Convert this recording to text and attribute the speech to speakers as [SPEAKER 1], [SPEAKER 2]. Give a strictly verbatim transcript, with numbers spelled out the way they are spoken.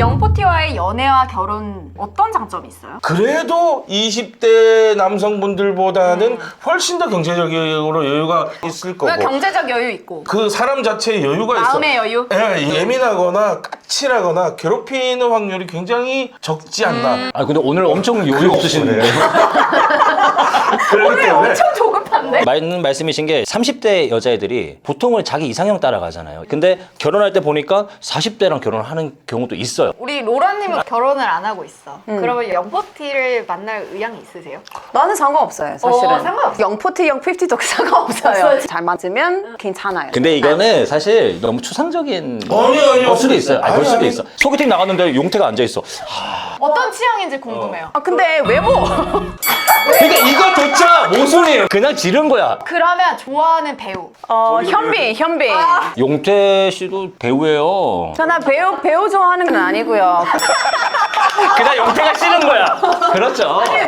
[SPEAKER 1] 영포티와의 연애와 결혼 어떤 장점이 있어요?
[SPEAKER 2] 그래도 이십 대 남성분들보다는 훨씬 더 경제적으로 여유가 있을 거고
[SPEAKER 1] 경제적 여유 있고
[SPEAKER 2] 그 사람 자체의 여유가 있어.
[SPEAKER 1] 마음의 여유?
[SPEAKER 2] 예, 예민하거나 까칠하거나 괴롭히는 확률이 굉장히 적지 않나.
[SPEAKER 1] 음.
[SPEAKER 3] 아 근데 오늘 엄청 여유 없으시네요.
[SPEAKER 2] 그렇기 때문에
[SPEAKER 1] 엄청 조급한데?
[SPEAKER 3] 맞는 말씀이신 게 삼십 대 여자애들이 보통은 자기 이상형 따라가잖아요. 근데 결혼할 때 보니까 사십 대랑 결혼을 하는 경우도 있어요.
[SPEAKER 1] 우리 로라님은 결혼을 안 하고 있어. 그러면 영포티를 만날 의향이 있으세요?
[SPEAKER 4] 나는 상관없어요, 사실은.
[SPEAKER 1] 어, 상관없어.
[SPEAKER 4] 영포티, 영피프티도 상관없어요.
[SPEAKER 1] 없어요.
[SPEAKER 4] 잘 맞으면 괜찮아요.
[SPEAKER 3] 근데 이거는 사실 너무 추상적인
[SPEAKER 2] 아니요, 아니요.
[SPEAKER 3] 걸 수도 있어요. 아니,
[SPEAKER 2] 아니,
[SPEAKER 3] 걸 수도
[SPEAKER 2] 아니.
[SPEAKER 3] 있어. 소개팅 나갔는데 용태가 앉아있어.
[SPEAKER 1] 어떤 취향인지 궁금해요.
[SPEAKER 4] 아, 근데 외모!
[SPEAKER 3] 그러니까 이거조차 모순이에요. 그냥 지른 거야.
[SPEAKER 1] 그러면 좋아하는 배우.
[SPEAKER 4] 어, 현빈, 현빈.
[SPEAKER 3] 용태 씨도 배우예요.
[SPEAKER 4] 저나 배우, 배우 좋아하는 건 아니고요.
[SPEAKER 3] 그냥 용태가 싫은 거야. 그렇죠.